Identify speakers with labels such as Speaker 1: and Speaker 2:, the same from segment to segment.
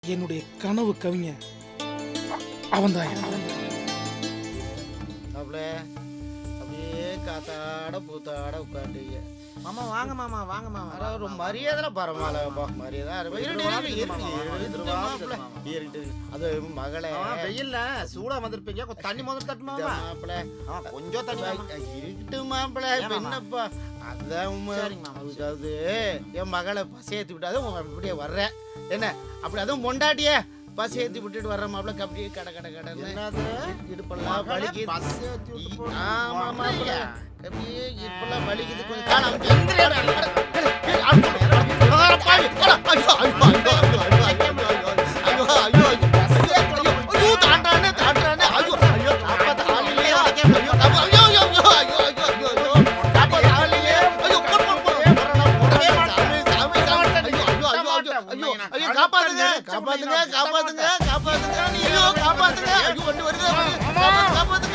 Speaker 1: என்னுடைய கனவு கவிஞன் அவன்தான்.
Speaker 2: அப்படியே காத்தாட பூத்தாட உட்காந்துங்க.
Speaker 3: மாமா வாங்க மாமா, வாங்க மாமா.
Speaker 2: ஒரு மரியாதை பரவாயில்லப்பா, மரியாதை அது மகளே.
Speaker 3: வெயில்ல சூடா வந்திருப்பீங்க, கொஞ்சம் தண்ணி முதல்ல தட்டுமா
Speaker 2: மாப்பிள்ள?
Speaker 3: கொஞ்சம் தண்ணி
Speaker 2: இருக்கட்டு மாப்பிள்ள, என்னப்பா அதான். அதாவது என் மகளை பசி ஏற்றி விட்டாதான் அப்படியே வர்றேன். என்ன அப்படி அதுவும் பொண்டாட்டிய பசி ஏற்றி விட்டுட்டு வர்ற மாப்பிள்ள. அப்படியே கடை கடை கடை இடுப்பெல்லாம் வலிக்குது. ஆமா மாப்பிள்ள, அப்படியே இப்பெல்லாம் வலிக்குது. கொஞ்சம் காலம் காப்பாத்துங்க காப்பாத்துங்க காப்பாத்துங்க காப்பாத்துங்க ஐயோ காப்பாத்துங்க. ஐயோ வண்டி வருது, காப்பாத்துங்க.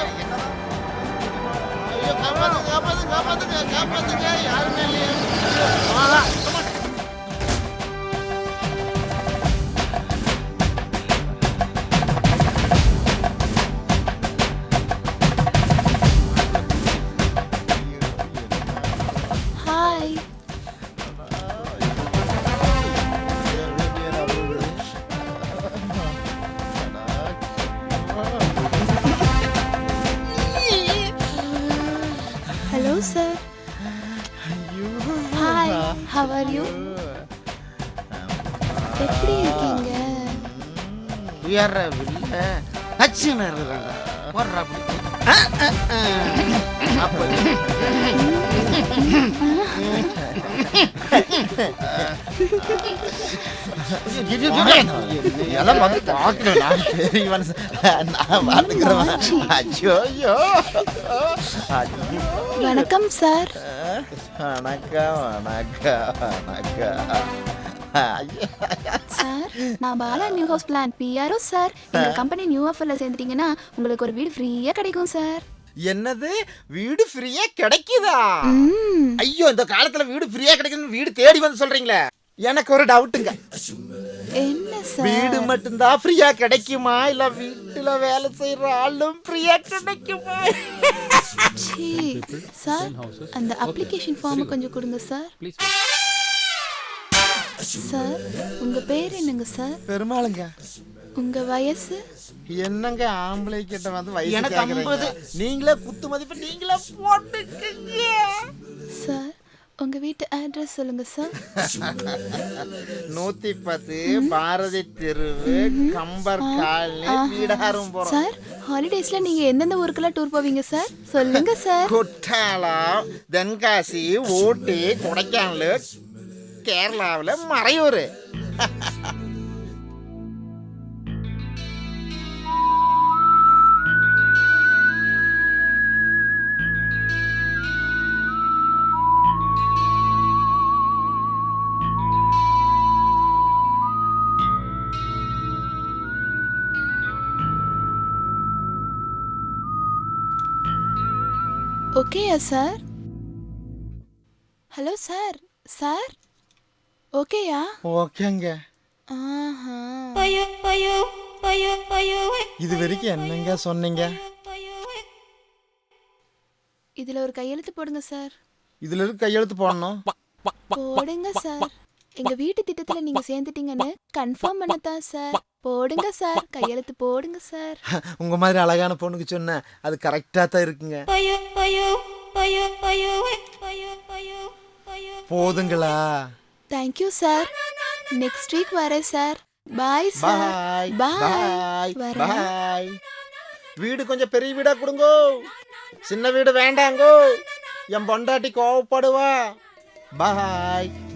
Speaker 2: ஐயோ காப்பாத்துங்க காப்பாத்துங்க காப்பாத்துங்க காப்பாத்துங்க. யாருமே இல்லையே.
Speaker 4: Hi. Hello sir. Hi, how are you? எப்படி இருக்கீங்க?
Speaker 2: உயர்ற வில்ல அச்சுன்னு இருக்கிறாங்க. போடுறா அப்படி
Speaker 3: எல்லாம் வந்து பார்க்கணும். நான் பார்த்துக்கிறேன். ஐயோ
Speaker 4: வணக்கம் சார்.
Speaker 3: வணக்கம் வணக்கம் வணக்கம்.
Speaker 4: சார், நான் Bala new house plan PRO sir. எங்க கம்பெனி நியூ ஆஃபர்ல சேர்ந்துட்டீங்கன்னா உங்களுக்கு ஒரு வீடு ஃப்ரீயா கிடைக்கும் சார்.
Speaker 3: என்னது, வீடு ஃப்ரீயா கிடைக்குதா?
Speaker 4: ம்.
Speaker 3: ஐயோ, இந்த காலத்துல வீடு ஃப்ரீயா கிடைக்குன்னு வீடு தேடி வந்து சொல்றீங்களே. எனக்கு ஒரு டவுட்டுங்க.
Speaker 4: என்ன சார்?
Speaker 3: வீடு மட்டும்தான் ஃப்ரீயா கிடைக்குமா, இல்ல வீட்டுல வேலை செய்யற ஆளும் ஃப்ரீயா கிடைக்குமா?
Speaker 4: சீ, சார் அந்த அப்ளிகேஷன் ஃபார்ம் கொஞ்சம் கொடுங்க சார். சார், உங்க பேர் என்னங்க சார்?
Speaker 3: பெருமாளுங்க.
Speaker 4: உங்க வயசு?
Speaker 3: என்னங்க ஆம்பளை கிட்ட வந்து வயசு
Speaker 2: எனக்கு
Speaker 3: கேக்குறீங்க?
Speaker 2: 50.
Speaker 3: நீங்களே குத்து மதிப்பு நீங்களே போட்டுக்கங்க.
Speaker 4: சார், உங்க வீட்டு அட்ரஸ் சொல்லுங்க சார்.
Speaker 3: 110 பாரதி தெருவு, கம்பர் காலனி, வீடாரும் போறோம்.
Speaker 4: சார், ஹாலிடேஸ்ல நீங்க எந்தெந்த ஊருக்கெல்லாம் டூர் போவீங்க சார்? சொல்லுங்க சார்.
Speaker 3: குற்றாலம், தென்காசி, ஊட்டி, கொடைக்கானல், கேரளாவில் மறையூர்.
Speaker 4: ஓகேயா சார்? Hello sir. சார், ஓகேயா?
Speaker 3: ஓகேங்க.
Speaker 4: ஆஹா.
Speaker 3: இது வரைக்கும் என்னங்க சொன்னீங்க?
Speaker 4: இதுல ஒரு கையெழுத்து போடுங்க சார்.
Speaker 3: இதுல இருக்கு கையெழுத்து போடணும்.
Speaker 4: போடுங்க சார். எங்க வீட்டு திட்டத்துல நீங்க சேர்ந்துட்டீங்கன்னு கன்ஃபார்ம் பண்ணதான் சார். போடுங்க சார், கையெழுத்து போடுங்க சார்.
Speaker 3: உங்க மாதிரி அழகான பொண்ணுக்கு சொன்ன அது கரெக்டா தான் இருக்குங்க. போதுங்களா?
Speaker 4: Thank you sir. நெக்ஸ்ட் வீக் வரேன் sir. Bye sir.
Speaker 3: Bye bye bye. வீடு கொஞ்சம் பெரிய வீடா கொடுங்கோ, சின்ன வீடு வேண்டாங்கோ. என் பொண்டாட்டி கோவப்படுவா. பாய்.